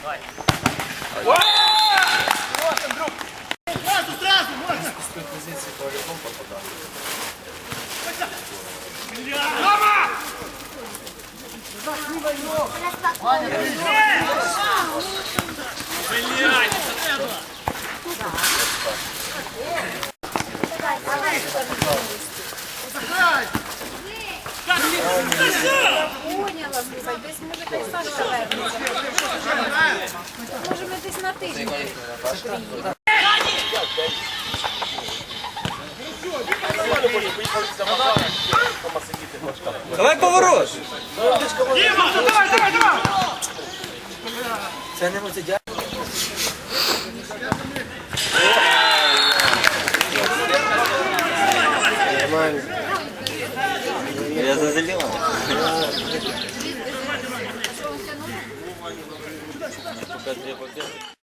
Сразу, можно! С той позиции по-любому попадал. Рома! Поняла, слухай, десь може хай Саша вернеться. Може ми десь на тиждень приїдемо. Давай поворот! Дима, ну давай, давай, давай! Це не муцидя. Нормально. Я зазелила. Пока 2 победы.